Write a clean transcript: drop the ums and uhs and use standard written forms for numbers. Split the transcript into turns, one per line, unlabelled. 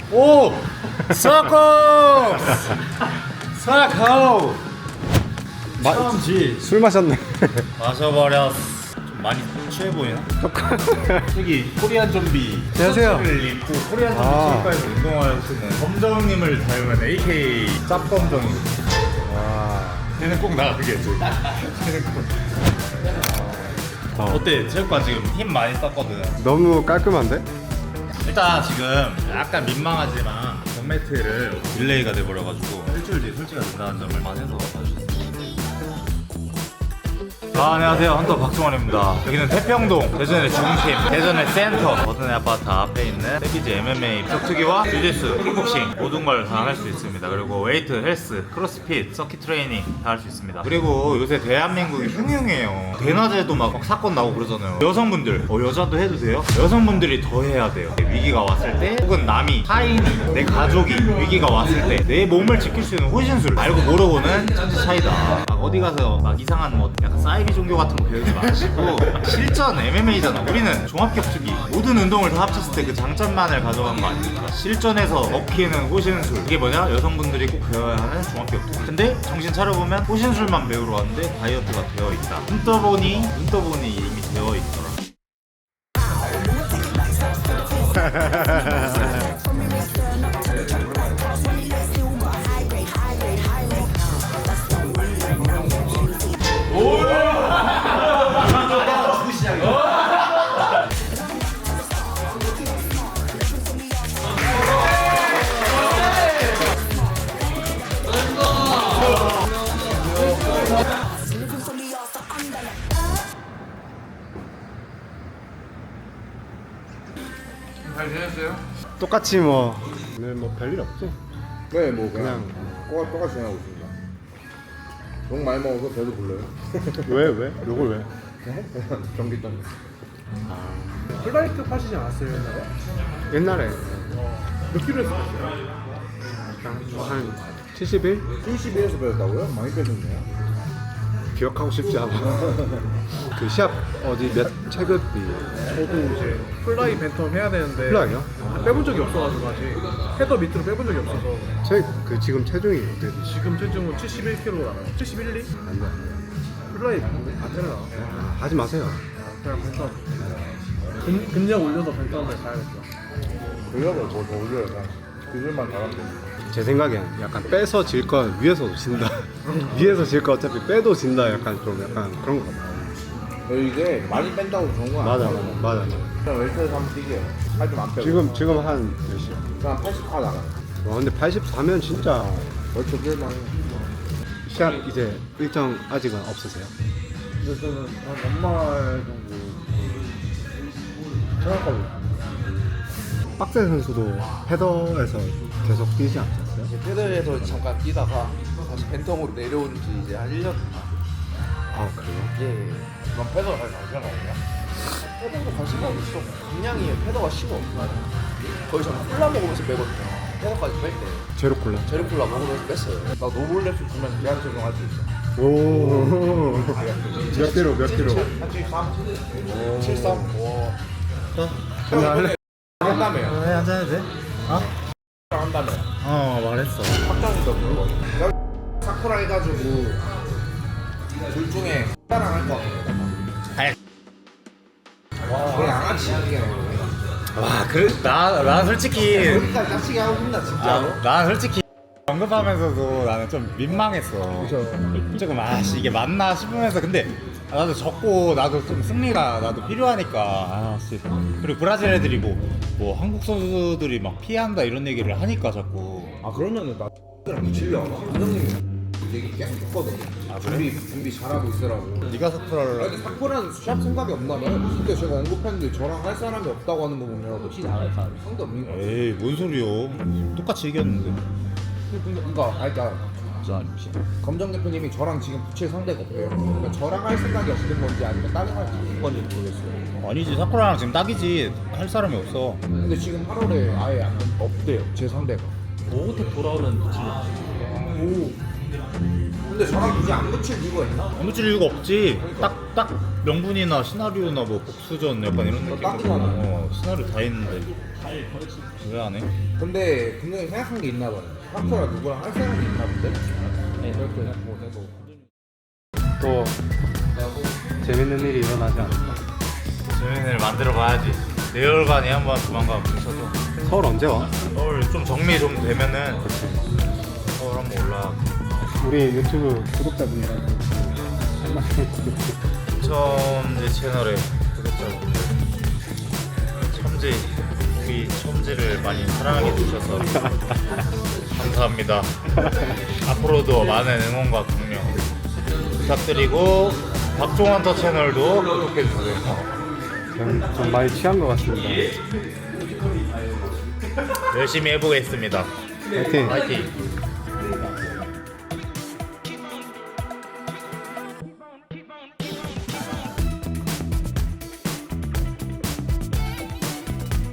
오! 사코! 사코! 처음지
술 마셨네.
마셔버렸어. 좀 많이 취해 보이나? 여기 코리안 좀비
안녕하세요.
셔츠를 입고 코리안 좀비 체육관에서 운동하시는 검정님을 닮은 AK 짭검정이.
와.
얘는 꼭 나가겠지. 얘는 꼭. 어때? 체육관 지금 힘 많이 썼거든.
너무 깔끔한데?
일단 지금 약간 민망하지만 전매트를 딜레이가 돼버려가지고 일주일 뒤에 설치가 된다는 점을 만해서 봐주셨습니다. 안녕하세요, 헌터 박승원입니다. 여기는 태평동 대전의 중심, 대전의 센터, 버튼의 아파트 앞에 있는 패키지 MMA, 격투기와 주짓수, 킥복싱 모든 걸 다 할 수 있습니다. 그리고 웨이트, 헬스, 크로스핏, 서킷 트레이닝 다 할 수 있습니다. 그리고 요새 대한민국이 흉흉해요. 대낮에도 막 사건 나고 그러잖아요. 여성분들, 여자도 해도 돼요? 여성분들이 더 해야 돼요. 위기가 왔을 때 혹은 남이, 타인이, 내 가족이 위기가 왔을 때 내 몸을 지킬 수 있는 호신술 알고 모르고는 천지 차이다. 막 어디 가서 막 이상한 뭐 약간 사이비 종교 같은 거 배우지 마시고 실전 MMA잖아. 우리는 종합격투기 모든 운동을 다 합쳤을 때 그 장점만을 가져간 거 아닙니까? 실전에서 먹히는 호신술 그게 뭐냐? 여성분들이 꼭 배워야 하는 종합격투기. 근데 정신 차려보면 호신술만 배우러 왔는데 다이어트가 되어 있다. 눈 떠보니 이미 되어 있더라.
잘 지냈어요?
똑같이 뭐 오늘 뭐 별일 없지?
네, 뭐 그냥
그냥
똑같이 지내고 있습니다. 너무 많이 먹어서 배도 불러요.
왜? 요걸 왜?
전기장.
플라이트 파시지 않았어요 옛날에?
옛날에
몇 킬로 했었어요?
한 71?
71에서 배웠다고요? 많이 빼셨네요.
기억하고 싶지 않아. 그 시합 어디 몇 체급이
저도 이제 플라이 벤텀 해야 되는데
플라이요?
빼본 적이 없어가지고 아직 헤더 밑으로 빼본 적이 없어서
그 지금 체중이 어떻게 되지?
지금 체중은 71kg 나가요 71, 2?
안 돼.
플라이 안 되나?
하지 마세요.
그냥 벤텀 근력 올려서 벤텀을 가야겠죠.
근력을 더 올려야 돼. 기술만 잘하면 돼.
제 생각엔 약간 빼서 질 건 위에서도 진다. 위에서 질 거 어차피 빼도 진다. 약간 좀 약간 그런 거 같아.
이게 많이 뺀다고 좋은 거
맞아.
아니에요? 그냥 웨이트에서 한번 뛰게요. 살 좀 안 빼고.
지금 한 몇이야?
그냥 80화 나가요.
와 근데 84면 진짜
얼추 뛸만 해요.
시합 이제 일정 아직은 없으세요?
근데 저는 한 연말 정도 생각하고 있어요.
빡세 선수도 헤더에서 계속 뛰지 않았어요?
패드에서 잠깐 뛰다가 다시 벤텀으로 내려온 지 이제 한 1년.
아 그래요?
예.
그럼 패드가 잘 관심 없냐?
패드도 관심이 있어. 그냥이 패드가 심어. 거의 저는 콜라 먹으면서 빼거든요. 패드까지 뺄 때.
제로 콜라.
제로 콜라 먹으면서 뺐어요.
나 노블레스 주면 계약 적용할 수 있어.
오. 몇 킬로?
한 73? 73? 와.
한잔 할래?
한다며요.
왜 앉아야 돼?
한다며.
말했어.
확정이다 그거. 사쿠라 해가지고 둘 중에 X랑 할거 같아. 와, 그냥 양아치 이야기야.
와, 난 솔직히
여기까지 짝치게 하고 싶나 진짜로?
난 솔직히 언급하면서도 나는 좀 민망했어. 조금 이게 맞나 싶으면서 근데 나도 졌고 나도 좀 승리가 나도 필요하니까 그리고 브라질 애들이 뭐 한국 선수들이 막 피한다 이런 얘기를 하니까 자꾸
아 그러면은 나 X랑 붙이려고 감독님이 얘기 계속 했거든. 준비 잘하고 있으라고.
네가 사쿠라를
아니 사쿠라는 샵 생각이 없나봐요. 그때 제가 언급했는데 저랑 할 사람이 없다고 하는 거 보면 혹시 나갈 사람이 상대 없는 거 같아요.
에이 뭔 소리요? 똑같이 이겼는데.
그러니까 검정 대표님이 저랑 지금 붙일 상대가 없대요. 그러니까 저랑 할 생각이 없는 건지 아니면 다른 할 건지 모르겠어요.
아니지 사쿠라랑 지금 딱이지 할 사람이 없어.
근데 지금 8월에 아예 없대요. 제 상대가.
오호택 돌아오면
오. 근데 저랑 굳이 안 붙일 이유가 있나?
안 붙일 이유가 없지. 딱 명분이나 시나리오나 뭐 복수전 약간 이런 느낌.
딱이잖아.
채널이 다 있는데 왜 안 해?
근데 분명히 생각한 게 있나 봐요. 닥터랑 누구랑 할 생각이 있나 본데? 네, 그렇게 해서
또 재밌는 일이 일어나지 않을까?
재밌는 일 만들어 봐야지. 내열관이 한번 조만간 뭉쳐서
서울 언제 와?
서울 좀 정리 좀 되면은 서울 한번 올라.
우리 유튜브 구독자분들한테 한 말씀
첨지 채널에 구독자분들 첨지 우리 첨지를 많이 사랑해 주셔서 감사합니다. 앞으로도 많은 응원과 격려 부탁드리고 박종환터 채널도 구독해 주세요.
좀 많이 취한 것 같습니다.
열심히 해보겠습니다.
화이팅!
화이팅!